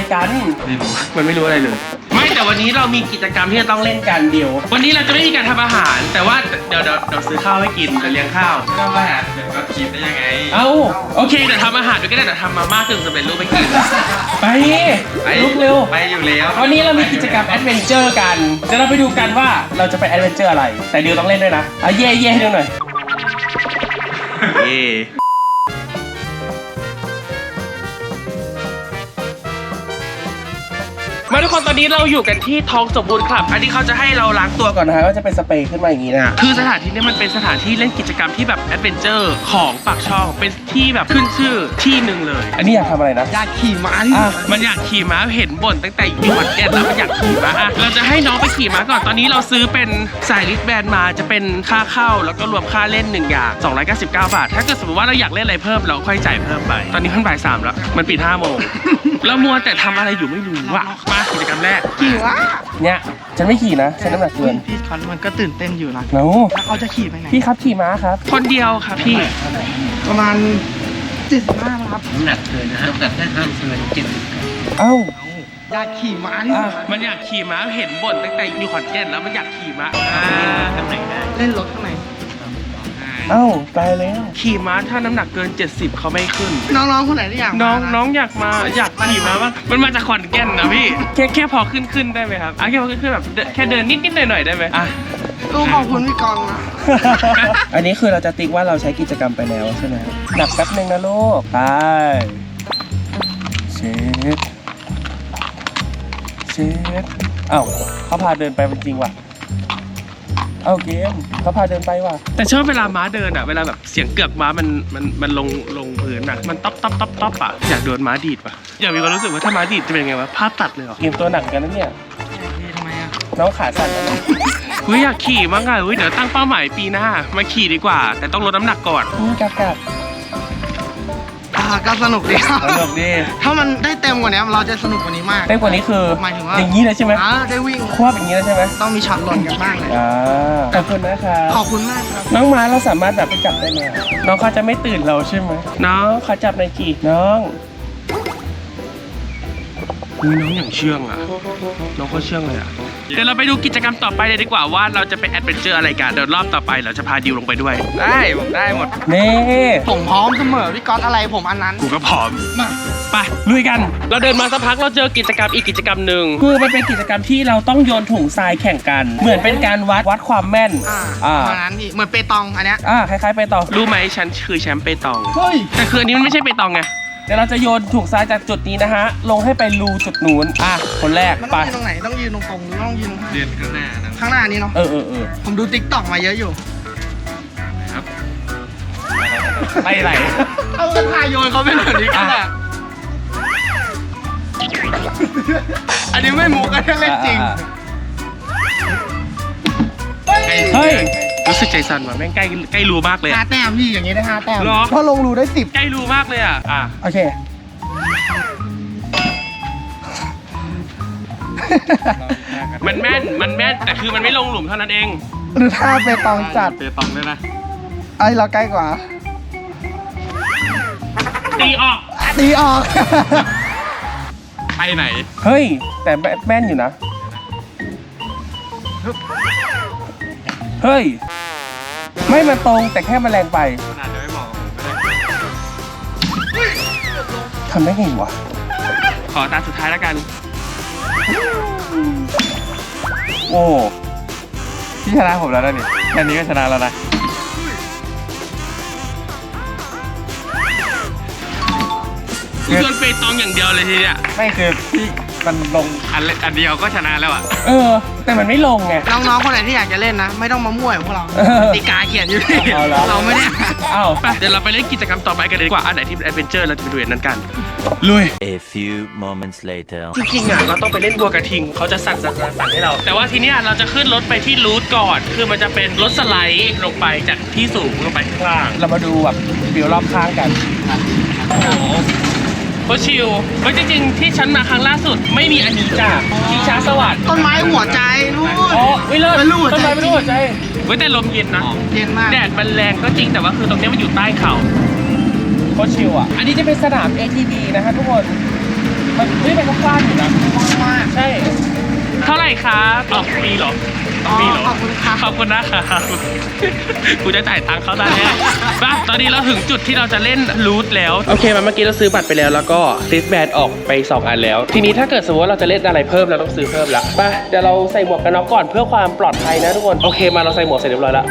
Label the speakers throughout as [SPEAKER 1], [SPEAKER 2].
[SPEAKER 1] กัน
[SPEAKER 2] ไม่รู้
[SPEAKER 1] มันไม่รู้อะไรเลยไม่แต่วันนี้เรามีกิจกรรมที่จะต้องเล่นกันเดียววันนี้เราจะไม่มีการทำอาหารแต่ว่าเดี๋ยวซื้อข้าวให้กินเดี๋ยวเลี้ยงข้าว
[SPEAKER 2] ไม่ต้องมาหาเดี๋ยวก็คิดได้ยังไง
[SPEAKER 1] เอ้าโอเคเดี๋ยวทำอาหารด้วยก็ได้เดี๋ยวทำมาม่ากึ่งสำเร็จรูปไปกินไปลุกเร็ว
[SPEAKER 2] ไปอยู่แล้ว
[SPEAKER 1] วันนี้เรามีกิจกรรมแอดเวนเจอร์กันเดี๋ยวเราไปดูกันว่าเราจะไปแอดเวนเจอร์อะไรแต่ดิวต้องเล่นด้วยนะเย่ให้ดูหน่อยเย่มาทุกคนตอนนี้เราอยู่กันที่ท้องสมบูรณ์ครับอันนี้เขาจะให้เราล้างตัวก่อนนะฮะก็จะเป็นสเปรย์ขึ้นมาอย่างนี้นะคือสถานที่นี้มันเป็นสถานที่เล่นกิจกรรมที่แบบแอดเวนเจอร์ของปากช่องเป็นที่แบบขึ้นชื่อที่หนึ่งเลยอันนี้อยากทำอะไรนะอยากขี่ม้ามันอยากขี่ม้าเห็นบ่นตั้งแต่อยู่วันแก่แล้วมันอยากขี่ม้าเราจะให้น้องไปขี่ม้าก่อนตอนนี้เราซื้อเป็นสายลิสแบนมาจะเป็นค่าเข้าแล้วก็รวมค่าเล่น1อย่าง299 บาทถ้าเกิดสมมติว่าเราอยากเล่นอะไรเพิ่มเราค่อยจ่ายเพิ่มไปตอนนี้เพิ่งบ่าย 3แล้วมันปิด 5 โมงแล้วมัวแต่ทำอะไรอยู่ไม่รู้อะมากิจกรรมแรกขี่ม้าเนี่ยฉันไม่ขี่นะฉันน้ำหนักเกิน
[SPEAKER 3] พี่คันมันก็ตื่นเต้นอยู่นะ
[SPEAKER 1] แล้ว
[SPEAKER 3] แล้วเขาจะขี่ไปไหน
[SPEAKER 1] พี่ครับขี่ม้าครับคนเดียวครับพี่
[SPEAKER 3] ประมาณ75ครับ
[SPEAKER 2] น้ำหนักเกินนะน้ำหนักแค่ห้ามเกิน70
[SPEAKER 1] เอ้า
[SPEAKER 3] อยากขี่ม้าที่สุด
[SPEAKER 1] มันอยากขี่ม้าเห็นบ่นตั้งแต่อยู่ขอนแก่นแล้วมันอยากขี่ม้าทำไหนได้
[SPEAKER 3] เล่นรถข้างใน
[SPEAKER 1] เอ้าตายแล้วขี่ม้าถ้าน้ำหนักเกิน70เขาไม่ขึ้น
[SPEAKER 3] น้องๆคนไหนที่อยาก
[SPEAKER 1] น้องอยากขี่ม้าบ้างมันมาจากขอนแก่นนะพี่แค่พอขึ้นได้ไหมครับแค่พอขึ้นแบบแค่เดินนิดหน่อยได้ไหม
[SPEAKER 3] ลูกขอบคุณพี่กองนะ
[SPEAKER 1] อันนี้คือเราจะติ๊กว่าเราใช้กิจกรรมไปแล้วใช่ไหมหนักแป๊บนึงนะลูกไปเช็ดเอ้าเขาพาเดินไปจริงว่ะเอาเกมเขาพาเดินไปว่ะแต่ชอบเวลาม้าเดินอ่ะเวลาแบบเสียงเกือกม้ามันลงพื้นอ่ะมันต๊อปอ่ะอยากโดนม้าดีดว่ะอยากมีความรู้สึกว่าถ้าม้าดีดจะเป็นไงวะภาพตัดเลยเหรอเกมตัวหนักกันนะเนี่ย
[SPEAKER 3] ทำไมอ่ะ
[SPEAKER 1] น้องขาสั่นแล้วนะอยากขี่มั้งอ่ะเดี๋ยวตั้งเป้าหมายปีหน้ามาขี่ดีกว่าแต่ต้องลดน้ำหนักก่อนกับ
[SPEAKER 3] ก็สนุกดี
[SPEAKER 1] สนุกดี
[SPEAKER 3] ถ้ามันได้เต็มกว่านี้เราจะสนุกกว่านี้มาก
[SPEAKER 1] เต็มกว่านี้คือ
[SPEAKER 3] หมายถึงว่า
[SPEAKER 1] อย่างนี้เลยใช่ไหม
[SPEAKER 3] ได้วิ่ง
[SPEAKER 1] ควบอย่างนี้เลยใช่ไหม
[SPEAKER 3] ต้องมีช็อตหล่นกันบ้างเลย
[SPEAKER 1] ขอบคุณนะครับ
[SPEAKER 3] ขอบคุณมากครับ
[SPEAKER 1] น้องม้าเราสามารถแบบไปจับได้ไหมน้องเขาจะไม่ตื่นเราใช่ไหมน้องเขาจับในกี่น้องน้องอย่างเชื่องอ่ะน้องเขาเชื่องเลยอ่ะเดี๋ยวเราไปดูกิจกรรมต่อไปเลยดีกว่าว่าเราจะไปแอดเวนเจอร์อะไรกันเดี๋ยวรอบต่อไปเราจะพาดิวลงไปด้วยได้หมดนี่
[SPEAKER 3] ผมพร้อมเสมอพี่ก๊อตอะไรผมอันนั้น
[SPEAKER 1] กูก็พร้อม
[SPEAKER 3] มา
[SPEAKER 1] ไปลุยกันเราเดินมาสักพักเราเจอกิจกรรมอีกกิจกรรมหนึ่งคือมันเป็นกิจกรรมที่เราต้องโยนถุงทรายแข่งกันเหมือนเป็นการวัดความแม่น
[SPEAKER 3] ประมาณนั้นพี่เหมือนเปตองอันเนี้ย
[SPEAKER 1] คล้ายๆเปตองรู้ไหมฉันคือแชมป์เปตอง
[SPEAKER 3] เฮ้ย
[SPEAKER 1] แต่คืออันนี้มันไม่ใช่เปตองไงเดี๋ยวเราจะโยนถุงทรายจากจุดนี้นะฮะลงให้ไปรูจุดนู้นคนแรก
[SPEAKER 3] มัน
[SPEAKER 1] ไป
[SPEAKER 3] ต้องยืนตรงไหนต้องยืนตรงๆหรือต้องยืน
[SPEAKER 2] เดือนข้างหน้านะ
[SPEAKER 3] ข้างหน้านี้เนาะ
[SPEAKER 1] เออ
[SPEAKER 3] ผมดูติ๊กต็อกมาเยอะอยู่
[SPEAKER 2] ครับ
[SPEAKER 1] ไปไหน
[SPEAKER 3] เอากระทายโยนเขาเป็นแบบนี้กันแหละอันนี้ไม่มุกอันนี้เล่นจริง
[SPEAKER 1] เฮ้ยรู้สึกใจสั่นว่ะแม่งใกล้รูมากเลย
[SPEAKER 3] 5 แต้มพี่อย่างนี้ได้5 แต้ม
[SPEAKER 1] หรอ
[SPEAKER 3] เพราะลงรูได้10
[SPEAKER 1] ใกล้รูมากเลยโอเคมันแม่นแต่คือมันไม่ลงหลุมเท่านั้นเอง
[SPEAKER 3] หรือถ้าเปตองจัด
[SPEAKER 2] เปตองด้วยนะ
[SPEAKER 3] ไอ้เราใกล้กว่า
[SPEAKER 1] ตีออก
[SPEAKER 3] ตีออก
[SPEAKER 2] ไปไหน
[SPEAKER 1] เฮ้ยแต่แม่นอยู่นะเฮ้ยไม่มันตรงแต่แค่มันแรงไป
[SPEAKER 2] ขนาดจะไม่เหมาะ
[SPEAKER 1] ทำได้ไงวะขอตาสุดท้ายแล้วกันโอ้พี่ชนะผมแล้วนะนี่แค่นี้ก็ชนะแล้วนะคือโดนเปตองอย่างเดียวเลยทีเนี้ยไม่คือพี่มันลงอันเดียวก็ชนะแล้วอ่ะแต่มันไม่ลงไง
[SPEAKER 3] น้องๆคนไหนที่อยากจะเล่นนะ ไม่ต้องมามั่วกับพวกเราตีกาเขียนอยู่ที่ เราไม่ได้
[SPEAKER 1] ไปเดี๋ยวเราไปเล่นกิจกรรมต่อไปกันเลยดีกว่าอันไหนที่เป็นแอดเวนเจอร์เราจะไปดูอันนั้นกันลุย
[SPEAKER 4] A few moments later
[SPEAKER 1] จริงๆเราต้องไปเล่นบัวกระทิงเขาจะสั่นให้เราแต่ว่าทีเนี้ยเราจะขึ้นรถไปที่รูทก่อนคือมันจะเป็นรถสไลด์ลงไปจากที่สูงลงไปข้างล่างเรามาดูแบบวิวรอบข้างกันโคชิลเฮ้ยจริงๆที่ฉันมาครั้งล่าสุดไม่มีอันนี้จ้ะชิงช้าสวัสดิ์
[SPEAKER 3] ต้นไม้หัวใจนู่น
[SPEAKER 1] เลิศ
[SPEAKER 3] เป็นรูปหัวใจ
[SPEAKER 1] ต้นไม้เป็นรูปหัวใจเว้ยแต่ลมเย็นนะ
[SPEAKER 3] เย็นมาก
[SPEAKER 1] แดดมันแรงก็จริงแต่ว่าคือตรงนี้มันอยู่ใต้เขาโคชิลอันนี้จะเป็นสนาม ATV นะฮะทุกคนมันเป็นกว้างอยู่นะ
[SPEAKER 3] มาก
[SPEAKER 1] ใช่ เท่าไหร่คะอ๋อฟรีเหรอ
[SPEAKER 3] อ๋อ
[SPEAKER 1] ฟรีเหรอ
[SPEAKER 3] ขอบคุณค่ะ
[SPEAKER 1] ขอบคุณนะคะกูจะจ่ายตังค์เขาได้แน่ป่ะตอนนี้เราถึงจุดที่เราจะเล่นรูทแล้ว โอเคมาเมื่อกี้เราซื้อบัตรไปแล้วแล้วก็ลิสแบนออกไป2อันแล้ว ทีนี้ถ้าเกิดสมมติว่าเราจะเล่นอะไรเพิ่มเราต้องซื้อเพิ่มละป่ะเดี๋ยวเราใส่หมวกกันน็อกก่อนเพื่อความปลอดภัยนะทุกคน โอเคมาเราใส่หมวกเสร็จเรียบร้อยแล้ว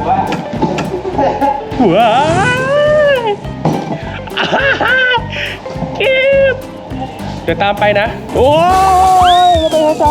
[SPEAKER 1] ว้าวเก็บเดี๋ยวตามไปนะ โอ้ยไปนะจ๊ะ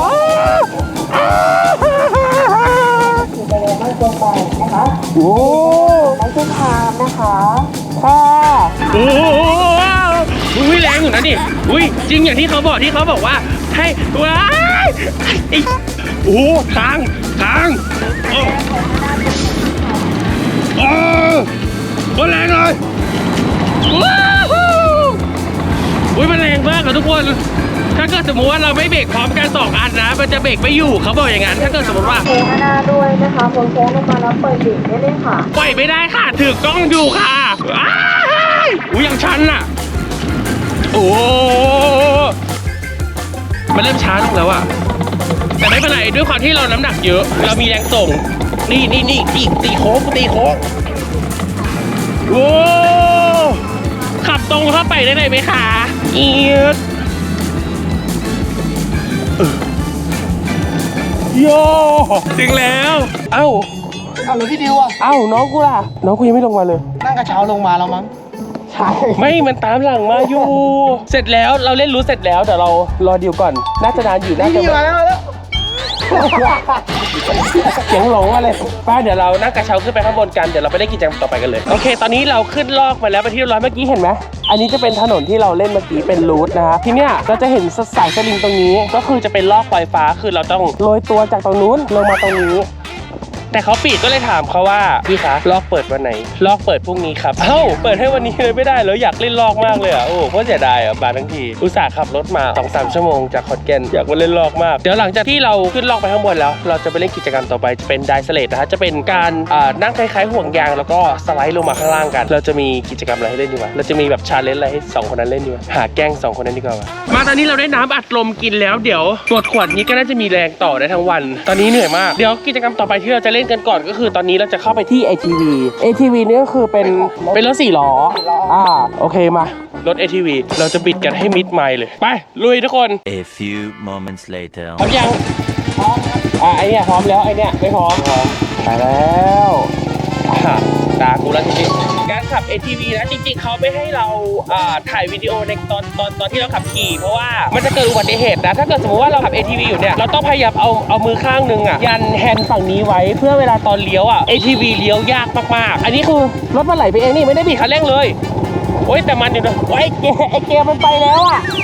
[SPEAKER 1] โอ้ไม่ใช่ทามนะคะค่ะโอ้อุ้ยแรงอยู่นะนี่อุ้ยจริงอย่างที่เขาบอกว่าให้ว้ายโอ้ทางโอ้แรงเลยว้าวอุ้ยมันแรงมากอะทุกคนถ้าเกิดสมมติว่าเราไม่เบรกพร้อมกัน2อันนะมันจะเบรกไม่อยู่เขาบอกอย่างนั้นถ้าเกิดสมมติว่า
[SPEAKER 5] โค้งหน้าด้วยนะคะโค้งลงมาแล้วเปิดเบรกได้เลยค่ะ
[SPEAKER 1] ปล่อยไม่ได้ค่ะถือกล้องอยู่ค่ะอ้ายอุ้ยยังชันอ่ะโอ้มันเริ่มช้าลงแล้วอ่ะแต่ไม่เป็นไรด้วยความที่เราน้ำหนักเยอะ เรามีแรงส่งนี่ตีโค้งโอ้ขับตรงเข้าไปได้เลยไหมคะเอียดโย่ถึงแล้วเอ้า
[SPEAKER 3] เอาแล้วพี่ดิวอ่ะ
[SPEAKER 1] เอ้าน้องกูล่ะน้องกูยังไม่ลงมาเลย
[SPEAKER 3] นั่งกระเช้าลงมาแล้วมั้งใช่
[SPEAKER 1] ไม่มันตามหลังมาอยู่ เสร็จแล้วเราเล่นรู้เสร็จแล้วเดี๋ยวเรารอดิวก่อนน่าจะนานอยู่น่าจะ
[SPEAKER 3] นี่มาแล้ว
[SPEAKER 1] เสียงหลงมาเลยป้าเดี๋ยวเรานั่งกระเช้าขึ้นไปข้างบนกันเดี๋ยวเราไปเล่นกิจกรรมต่อไปกันเลยโอเคตอนนี้เราขึ้นลอกมาแล้วไปที่เรียบร้อยเมื่อกี้เห็นไหมอันนี้จะเป็นถนนที่เราเล่นเมื่อกี้เป็นรูทนะครับทีเนี้ยเราจะเห็นสายสลิงตรงนี้ก็คือจะเป็นลอกปลอยฟ้าคือเราต้องโรยตัวจากตรงนู้นลงมาตรงนี้แต่เขาปิดก็เลยถามเขาว่าพี่คะลอกเปิดวันไหนลอกเปิดพรุ่งนี้ครับเอ้าเปิดให้วันนี้เลยไม่ได้แล้วอยากเล่นลอกมากเลยอ่ะโอ้โคตรเสียดายอ่ะบาทั้งทีอุตส่าห์ขับรถมา 2-3 ชั่วโมงจากขอนแก่นอยากมาเล่นลอกมากเดี๋ยวหลังจากที่เราขึ้นลอกไปข้างบนแล้วเราจะไปเล่นกิจกรรมต่อไปจะเป็นไดสเลดนะฮะจะเป็นการนั่งคล้ายๆห่วงยางแล้วก็สไลด์ลงมาข้างล่างกันเราจะมีกิจกรรมอะไรให้เล่นดีวะเราจะมีแบบชาเลนจ์อะไรให้2คนนั้นเล่นดีวะหาแกล้ง2คนนั้นดีกว่าวะมาตอนนี้เราได้น้ำอัดลมกินแล้วเดี๋ยวหมดขวดนี้ก็น่าจะมีแรงต่อได้ทั้งวันตอนนี้เหนื่อยมากเดี๋ยวกิจกรรมต่อไปที่เราจะเล่นกันก่อนก็คือตอนนี้เราจะเข้าไปที่ ATV นี่ก็คือเป็นรถ4 ล้อโอเคมารถ ATV เราจะบิดกันให้มิดไมล์เลยไปลุยทุกคน
[SPEAKER 4] A few moments later.
[SPEAKER 1] พร้อมยังพร้อมครับไอเนี่ยพร้อมแล้วไอเนี่ยไม่พร้อมไปแล้วตากูแล้วจริงๆการขับ ATV นะจริงๆเขาไม่ให้เราถ่ายวิดีโอในตอนที่เราขับขี่เพราะว่ามันจะเกิดอุบัติเหตุนะถ้าเกิดสมมติว่าเราขับ ATV อยู่เนี่ยเราต้องพยายามเอามือข้างนึงยันแฮนด์ฝั่งนี้ไว้เพื่อเวลาตอนเลี้ยวATV เลี้ยวยากมากๆอันนี้คือรถมันไหลไปเองนี่ไม่ได้บีบคันเร่งเลยโอ๊ยแต่มันอยู่นะไอ้เกมันไปแล้ว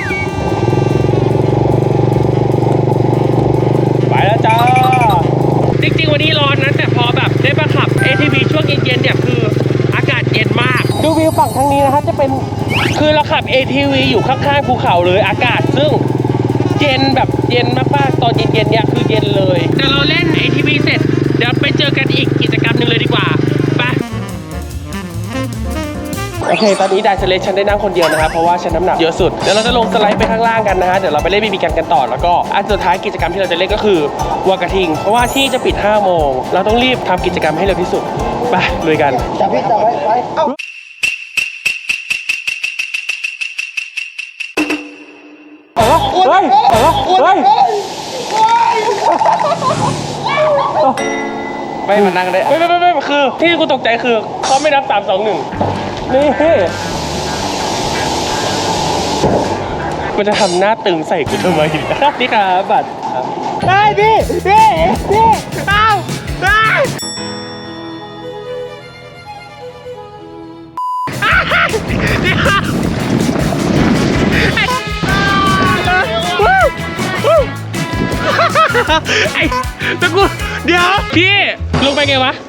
[SPEAKER 1] ไปแล้วจ้าจริงๆวันนี้ร้อนนะแต่พอแบบได้มาขับ ATV ช่วงเย็นๆเนี่ยคืออากาศเย็นมากดูวิวฝั่งทางนี้นะครับจะเป็นคือเราขับ ATV อยู่ข้างๆภูเขาเลยอากาศซึ่งเย็นแบบเย็นมากๆตอนเย็นๆเนี่ยคือเย็นเลยเดี๋ยวเราเล่น ATV เสร็จเดี๋ยวไปเจอกันอีกกิจกรรมหนึ่งเลยดีกว่าไปโอเคตอนนี้ไดสเลชฉันได้นั่งคนเดียวนะครับเพราะว่าฉันน้ำหนักเยอะสุดเดี๋ยวเราจะลงสไลด์ไปข้างล่างกันนะฮะเดี๋ยวเราไปเล่นบีบีกันต่อแล้วก็อันสุดท้ายกิจกรรมที่เราจะเล่นก็คือวัวกระทิงเพราะว่าที่จะปิด5 โมงเราต้องรีบทำกิจกรรมให้เร็วที่สุดไปลุยกัน
[SPEAKER 3] จับไว้เอ้า
[SPEAKER 1] เฮ้ย
[SPEAKER 2] ไม่มานั่งได้
[SPEAKER 1] ไม่คือที่กูตกใจคือเขาไม่นับ3 2 1นี่มันจะทำหน้าตึงใส่กูทำไมนี่ครับบัตรได้พี่เอ้าได้ไอ้ตะกูเดี๋ยวพี่ลงไปไงวะ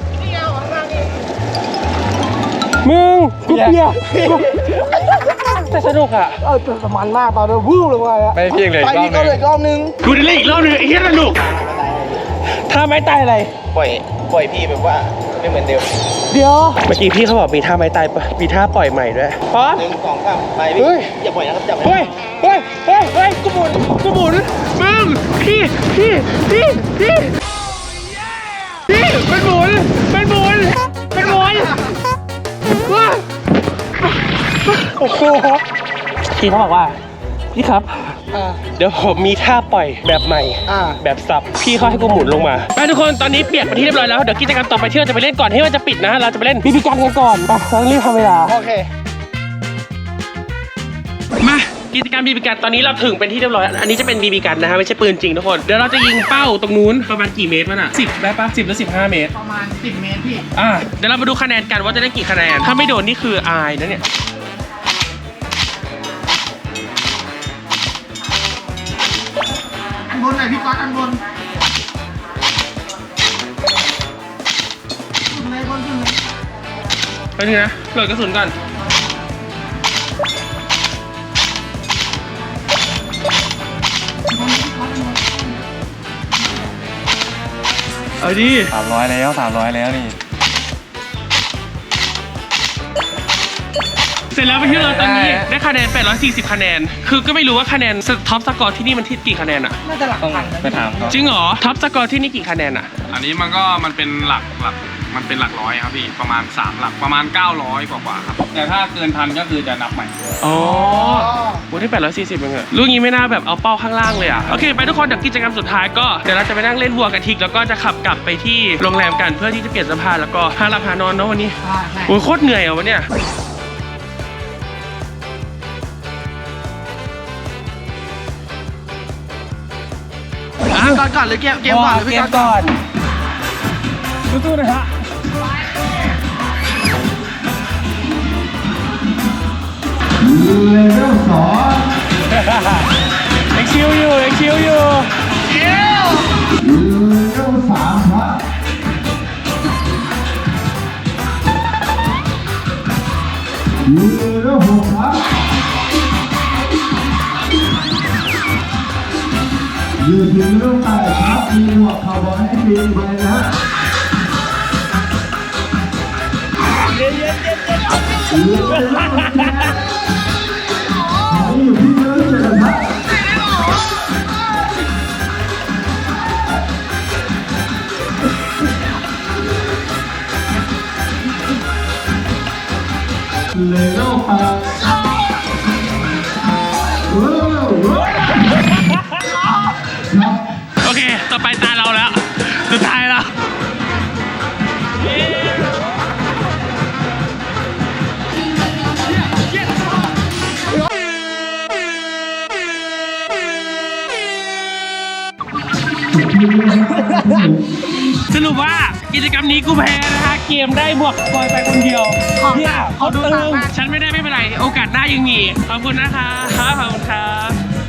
[SPEAKER 1] มึงกูเปียกแต่สนุกอ่ะ
[SPEAKER 3] แต่มันมากตอนนี้วู้ลงมาอะ
[SPEAKER 2] ไม่เพียงเลย
[SPEAKER 3] ไป
[SPEAKER 2] รอบ
[SPEAKER 3] นี่
[SPEAKER 2] ห
[SPEAKER 3] ก็
[SPEAKER 2] นึง
[SPEAKER 3] เลยรอบนึง
[SPEAKER 1] กูจะเล่นอีกรอบนึงไอ้เหี้ยสนุกถ้าไม่ตายอะไร
[SPEAKER 3] ปล่อยพี่แบบว่า
[SPEAKER 2] ไม่เหมือนเดิม
[SPEAKER 1] เดี๋ยวเมื่อกี้พี่เขาบอกมีท่าไม้ตายปะมีท่าปล่อยใหม่ด้วยพร้อม
[SPEAKER 2] 1 2 3ไป
[SPEAKER 1] เฮ้ย
[SPEAKER 2] อย่าปล่อยนะครับจับ
[SPEAKER 1] เฮ้ยกูหมุนมึงพี่มันหมุนว้าโอ้โหพี่เขาบอกว่าพี่ครับเดี๋ยวผมมีท่าปล่อยแบบใหม่แบบสับพี่เขาให้กูหมุนลงมาไปทุกคนตอนนี้เปียกไปที่เรียบร้อยแล้วเดี๋ยวกิจกรรมต่อไปที่เราจะไปเล่นก่อนที่มันจะปิดนะเราจะไปเล่นบีบีกันกันก่อนไปต้องรีบทำเวลา
[SPEAKER 3] โอเค
[SPEAKER 1] มากิจกรรมบีบีกันตอนนี้เราถึงเป็นที่เรียบร้อยอันนี้จะเป็นบีบีกันนะฮะไม่ใช่ปืนจริงทุกคนเดี๋ยวเราจะยิงเป้าตรงนู้นประมาณกี่เมตรวะน่ะ10ได้ปะ10หรือ15เมตร
[SPEAKER 3] ประมาณ 10 เมตรพี่
[SPEAKER 1] เดี๋ยวเรามาดูคะแนนกันว่าจะได้กี่คะแนนถ้าไม่โดนนี่คืออายนะเนี่ย
[SPEAKER 3] อันบนหน่อยพี่ก๊อตอันบนขึ้นเลยบนขึ้นเลย
[SPEAKER 1] ไปนึงนะโหลดกระสุนก่อนเอาดิ
[SPEAKER 2] 300แล้วนี่
[SPEAKER 1] เสร็จแล้วไปที่เราตอนนี้ได้คะแนน840คะแนนคือก็ไม่รู้ว่าคะแนนท็อปสกอร์ที่นี่มันที่กี่คะแนนอะ
[SPEAKER 3] น่าจะหลัก
[SPEAKER 2] ต้อง
[SPEAKER 3] พันนะ
[SPEAKER 2] ไปถามเขา
[SPEAKER 1] จริงเหรอท็อปสกอร์ที่นี่กี่คะแนนอะ
[SPEAKER 6] อันนี้มันเป็นหลักมันเป็นหลักร้อยครับพี่ประมาณ3หลักประมาณ900กว่าครับแต่ถ้าเกินพันก็คือจะนับใหม่
[SPEAKER 1] อ๋อโอ้ได้840เองอะลูกนี้ไม่น่าแบบเอาเป้าข้างล่างเลยอะโอเคไปทุกคนเดี๋ยวกิจกรรมสุดท้ายก็เดี๋ยวเราจะไปนั่งเล่นวัวกับทิกแล้วก็จะขับกลับไปที่โรงแรมกันเพื่อที่จะเปลี่ยนเสื้อผ้าแล้วก็หาหลับหานอนเนาะวันนี้
[SPEAKER 3] ใช่
[SPEAKER 1] โอ้ยโคตรเหนื่อยอะวันเนี้ย
[SPEAKER 3] ก่อนหรือเกมก่อนหรือพี่ก๊อตก่อน
[SPEAKER 1] สู้ๆนะฮะเอ็กชิวอยู่
[SPEAKER 7] อยู่ถึงเรื่องแต่ครับมีหมวกคาวบอยให้ทีมไปนะฮะอยู่ที่เรื่องเสร็จครับเลยโลกไป
[SPEAKER 1] โอเคต่อไปตาเราแล้วสุดท้ายแล้วสรุปว่ากิจกรรมนี้กูแพ้นะฮะเกมได้บวกบอยไปคนเดียวเนี่ยเขาตึงฉันไม่ได้ไม่เป็นไรโอกาสหน้ายังมีขอบคุณนะคะขอบคุณครับ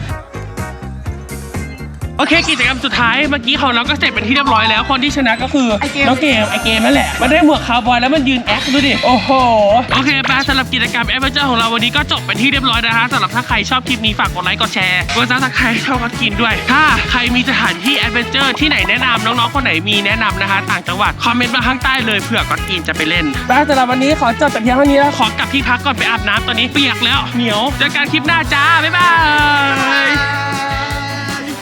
[SPEAKER 1] โอเคกิจกรรมสุดท้ายเมื่อกี้ของเราก็เสร็จเป็นที่เรียบร้อยแล้วคนที่ชนะก็คือน้องเกมไอเกมนั่นแหละมันได้หมวกคาวบอยแล้วมันยืนแอคดูดิโอ้โหโอเคไปสำหรับกิจกรรมแอดเวนเจอร์ของเราวันนี้ก็จบเป็นที่เรียบร้อยนะฮะสำหรับถ้าใครชอบคลิปนี้ฝากกดไลค์กดแชร์กดซับสไครต์ชอบก็กินด้วยถ้าใครมีสถานที่แอดเวนเจอร์ที่ไหนแนะนำน้องๆคนไหนมีแนะนำนะคะต่างจังหวัดคอมเมนต์มาข้างใต้เลยเผื่อก็กินจะไปเล่นไปสำหรับวันนี้ขอจบแต่เพียงเท่านี้แล้วขอกลับที่พักก่อนไปอาบน้ำตอนนี้เปียกแล้วเหนียวเจอกันคลิปหน้าจ้าบ๊ายบาย